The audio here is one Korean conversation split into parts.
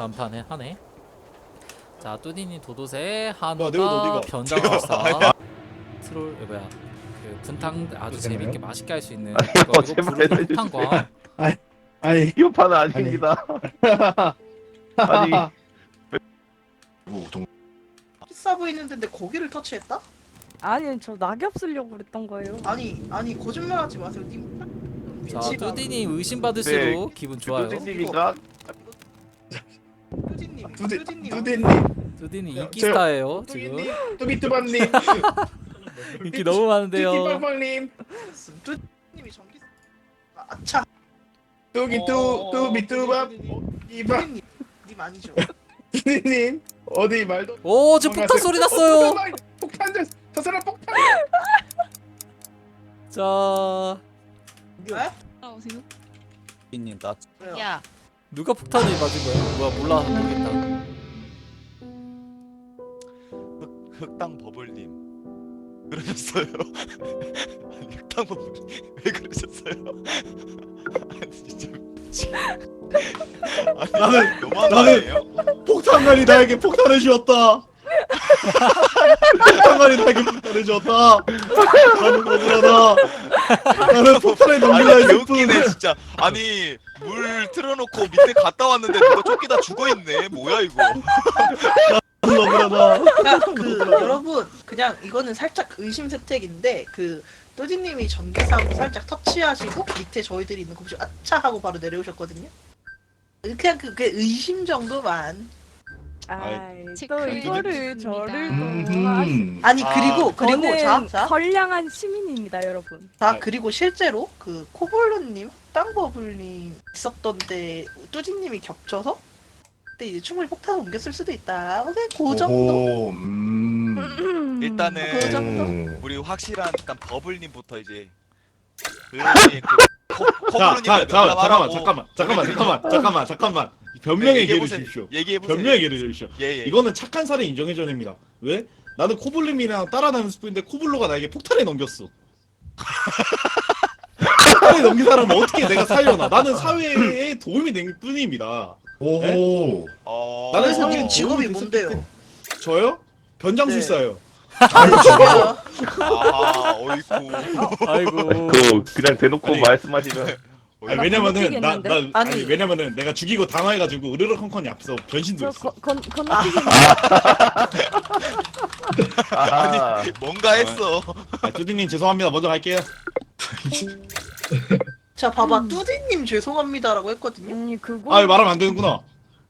완판해 하네. 자 뚜디니 도도새 한우가 내가 어디가? 변장합시다. 트롤 뭐야 그 분탕 아주 되나요? 재밌게 맛있게 할 수 있는 아니, 그거 제발 부르는 해주세요. 폭탄광. 아니 이 판은 아닙니다. 아니 비싸 보이는 데인데 고기를 터치했다? 아니 저 낙엽 쓰려고 그랬던 거예요. 아니 거짓말하지 마세요. 님 자 위치가 뚜디니 의심받을수록 기분 좋아요. 뚜디님인가? 뚜디님 뚜디님 뚜디니 야, 인기 저- 스타예요 지금. 뚜비뚜밤님 인기 너무 많은데요. 뚜비빵빵님 뚜디님이 전기 아차 뚜비뚜밤 이밤 뚜디님 님 아니죠? 뚜비님 어디 말도 오 지금 폭탄 소리 났어요. 폭탄 저 사람 폭탄 자 왜? 따라오세요. 님 나 왜요? 야, 누가 폭탄을 맞은 거야? 뭐야 몰라 모르겠다. 흑당 버블님 그러셨어요. 아니, 흑당 버블님 왜 그러셨어요? 아니 진짜 아니 나는- 너무한 거 나는- 아니에요? 폭탄만이 나에게 폭탄을 주었다 폭탄만이 나에게 폭탄을 주었다 나는 억울하다 나는 폭탄을 넘기려 아니 했을 뿐 개웃기네 진짜. 아니 물 틀어놓고 밑에 갔다 왔는데 누가 쫓기다 죽어있네. 뭐야 이거. 나는 억울하다 그러니까 여러분 그냥 이거는 살짝 의심 세택인데 뚜디님이 전기사고 살짝 터치하시고 밑에 저희들이 있는 거 보시고 아차 하고 바로 내려오셨거든요. 그냥 그게 의심 정도만. 아이 또 체크해 이거를 주십니다. 저를 또 하시. 아니 아, 그리고 저는 자 선량한 시민입니다, 여러분. 그리고 실제로 코볼루님, 땅버블님 있었던데 뚜디님이 겹쳐서 그때 이제 충분히 폭탄을 옮겼을 수도 있다. 그냥 그 정도. 오호, 그 일단은 정도. 우리 확실한 일단 버블님부터 이제 잠깐만 변명의 기회를 얘기해보세요. 주십시오. 얘기해보세요. 변명의 기회를 주십시오. 예. 이거는 착한 살인 인정해줘야 됩니다. 왜? 나는 코블림이랑 따라다니는 스프인데 코블로가 나에게 폭탄을 넘겼어. 폭탄을 넘긴 사람은 어떻게 내가 살려나? 나는 사회에 도움이 될 뿐입니다. 오호. 나는 그래서 사회에 님 직업이 도움이 됐을 뭔데요? 때- 저요? 변장술사요. 아, 어이쿠. 아이고. 그냥 대놓고 아니, 말씀하시면 아니, 왜냐면은 건너뛰겠는데? 아니. 왜냐면은 내가 죽이고 당황해가지고 으르렁컨컨이 앞서 변신도 저 했어. 건너뛰겠는데. 아, 뭔가 했어. 뚜디님 죄송합니다. 먼저 갈게요. 자 봐봐 뚜디님 죄송합니다라고 했거든요. 그거. 아 말하면 안 되는구나.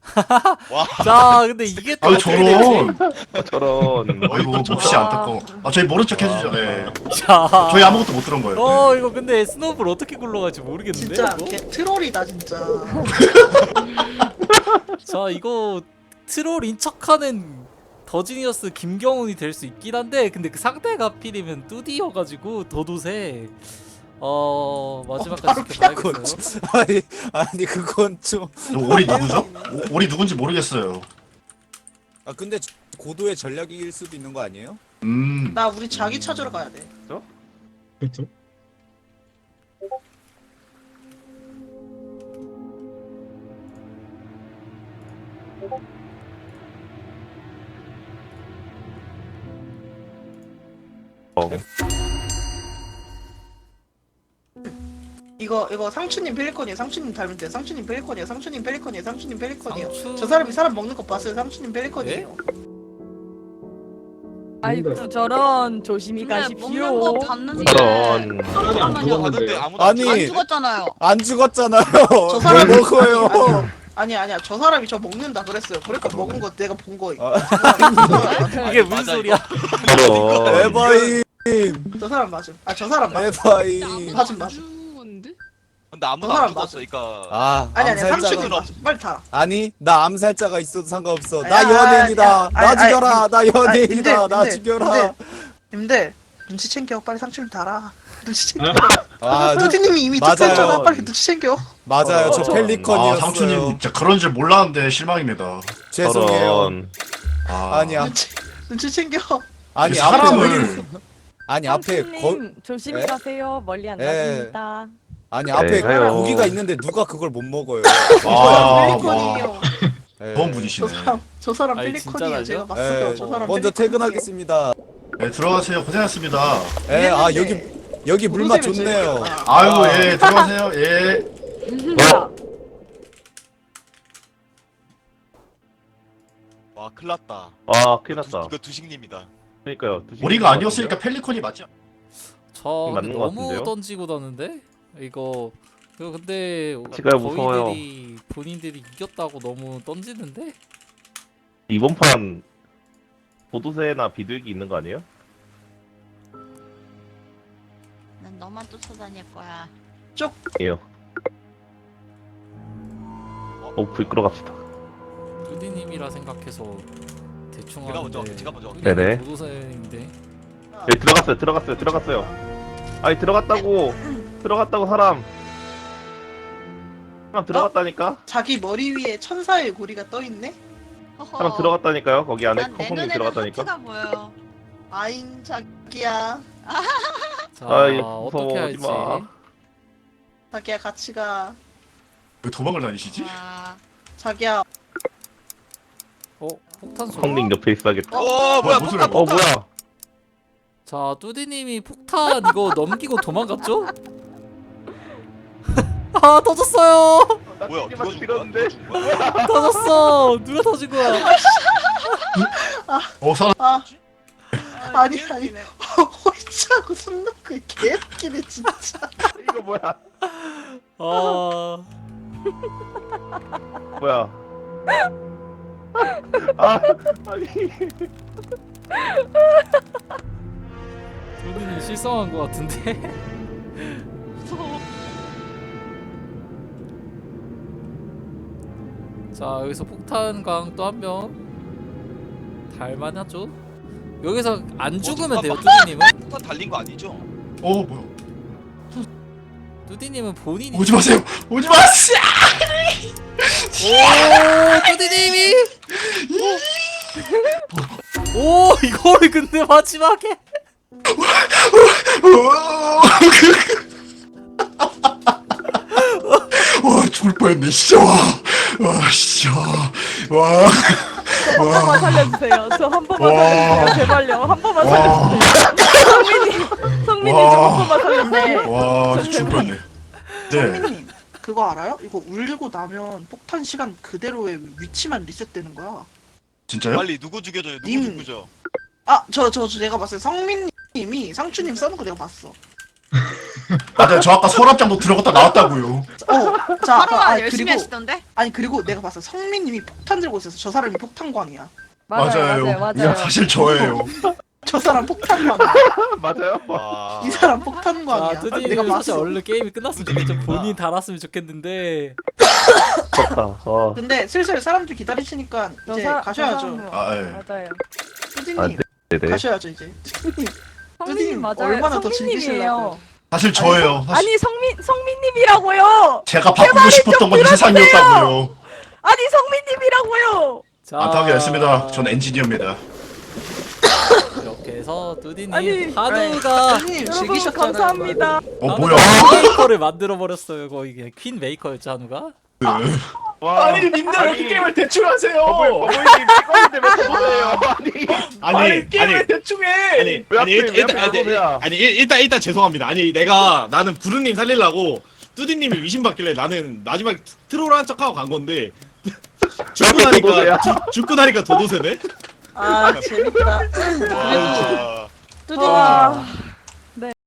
자 근데 이게 또 아유 어떻게 되지? 저런. 저런. 아이고 몹시 안타까워. 저희 모른 척 해주죠. 네. 자. 저희 아무것도 못 들은 거예요. 네. 이거 근데 스노우볼 어떻게 굴러갈지 모르겠는데. 진짜 이거? 걔 트롤이다 진짜. 자 이거 트롤인 척하는 더지니어스 김경훈이 될 수 있긴 한데 근데 그 상대가 필이면 뚜디여가지고 도도새 마지막까지 지켜봐야겠어요. 아니 그건 좀. 저 오리 누구죠? 오리 누군지 모르겠어요. 아 근데 고도의 전략일 수도 있는 거 아니에요? 나 우리 자기 찾으러 가야 돼. 그렇죠? 이거 상추님 펠리컨이에요. 상추님 닮을 때 상추님 펠리컨이에요. 상추님 펠리컨이에요. 상추님 펠리컨이에요. 상추- 저 사람이 사람 먹는 거 봤어요. 상추님 펠리컨이에요. 아이고 저런 조심히 근데 가십시오. 먹는 거 봤는데. 저런. 잠깐만요. 봤는데 아무도 안 안 죽었잖아요. 안 죽었잖아요. 저 사람이 먹어요. 아니야. 저 사람이 저 먹는다 그랬어요. 그러니까 먹은 거 내가 본 거예요. 이게 무슨 맞아, 소리야? 저런. 에바이. 저 사람 맞음. 저 사람 맞음. 에바이. 맞음. 죽었는데? 근데 아무도 저 안 사람 죽었어. 그러니까 아니 암살자가 상추님 맞음. 빨리 타. 아니 나 암살자가 있어도 상관없어. 아니, 나 연예인이다. 나 아니, 죽여라. 나 연예인이다. 나 님들, 죽여라. 님들 눈치 챙겨. 빨리 상추님 달아. 눈치 챙겨. 아 뚜디님이 이미 맞아요. 득했잖아. 빨리 눈치 챙겨. 맞아요. 저 아 펠리컨이었어요. 상추님 진짜 그런 줄 몰랐는데 실망입니다. 죄송해요. 저런. 아니야. 눈치 챙겨. 아니 사람을 아니 앞에 거 상추님 조심히 예? 가세요. 멀리 안 예. 가십니다. 아니 앞에 가요. 고기가 있는데 누가 그걸 못 먹어요. 아, 펠리컨이에요. 예. 좋은 분이시네. 저 사람 아니, 펠리콘이에요. 진짜 제가 날려? 봤어요. 예. 저 사람 먼저 펠리콘이에요. 퇴근하겠습니다. 네, 들어가세요. 고생하셨습니다. 예, 아 이랬는데. 여기 물맛 도도새를 좋네요. 제일- 아이고, 예, 들어가세요. 예. 와 큰일났다. 아 큰일 났다. 이거 두식님이다. 그러니까요. 우리가 아니었으니까 펠리콘이 맞죠? 저 맞는 것 너무 같은데요? 던지고 다는데 이거 근데 제가 무서워요. 본인들이 이겼다고 너무 던지는데? 이번 판 도도새나 비둘기 있는 거 아니에요? 난 너만 쫓아다닐 거야. 예요. 불 끄러 갑시다. 뚜디님이라 생각해서 대충 제가 먼저 하는데 제가 먼저. 네네. 도도새인데 예, 들어갔어요. 아니 들어갔다고 사람 들어갔다니까? 자기 머리 위에 천사의 고리가 떠 있네. 사람 들어갔다니까요. 거기 안에 난내 콩콩님 눈에는 들어갔다니까. 하트가 보여. 아잉 자기야. 자 아이 어떻게 무서워 할지 오지마. 자기야 같이 가. 왜 도망을 다니시지? 와. 자기야. 폭탄 소리 성님 옆에 있어야겠다. 뭐야 무슨 폭탄 폭탄. 뭐야? 자 뚜디님이 폭탄 이거 넘기고 도망갔죠? 아 터졌어요 뭐야 누가 죽은 들었는데? 거야? 터졌어 누가 터진 거야 사람. 아니 홀치하고 손 놓고 개웃기네 진짜. 이거 뭐야? 아 뭐야? 아 아니 뚜디님 실성한 거 같은데 무서워. 자 여기서 폭탄광 또 한 명 달만하죠? 여기서 안 죽으면 돼요 뚜디님은 폭탄 달린 거 아니죠? 뭐야? 뚜디님은 본인이 오지 마세요. 오지 마세요. 오 뚜디님이 오 이거를 근데 마지막에 와, 죽을 뻔했네. 진짜 와, 진짜 와. 한 번만 살려주세요. 저 한 번만 와. 살려주세요. 제발요. 한 번만 와. 살려주세요. 성민님 저 한 번만 살려주세요. 와, 죽을 뻔했네. 네. 성민님 그거 알아요? 이거 울리고 나면 폭탄 시간 그대로의 위치만 리셋되는 거야. 진짜요? 빨리 누구 죽여줘요? 누구 님. 죽여줘? 저 내가 봤어요. 성민님이 상추님 써는 거 내가 봤어. 맞아요. 저 아까 서랍장도 들어갔다 나왔다고요. 자, 하루만 열심히 그리고 하시던데? 그리고 내가 봤어. 성민님이 폭탄 들고 있어서 저 사람이 폭탄광이야. 맞아요. 이거 사실 저예요. 저 사람 폭탄광. 맞아요? 와. 이 사람 자 폭탄광이야. 내가 뚜디님 사실 봤어. 얼른 게임이 끝났으면 좋겠죠 본인 달았으면 좋겠는데 졌다. 근데 슬슬 사람들 기다리시니까 이제 가셔야죠. 아, 예. 맞아요. 뚜디님 네네. 가셔야죠 이제. 뚜디님 성민님 맞아요. 얼마나 더 성민님이에요. 즐기시려고. 사실 저예요. 사실 아니 성민님이라고요. 제가 바꾸고 싶었던 건 이 세상이었다고요. 아니 성민님이라고요. 자 안타깝게 됐습니다. 전 엔지니어입니다. 이렇게 해서 뚜디님 아니, 한우가 뚜디님 여러분 즐기셨잖아요. 감사합니다. 뭐야? 퀸 메이커를 만들어 버렸어요 거의 그냥 퀸 메이커였죠 한우가 와. 님들 어떻게 게임을 대충 하세요? 어머님 찍었는데 왜 저러세요? 아니 대충 해. 왜 하필 일단 죄송합니다. 나는 부르님 살리려고 뚜디님이 위신받길래 나는 마지막에 트롤한 척하고 간 건데 죽고 나니까 도도새네. 아 재밌다. 와. 뚜디님 와.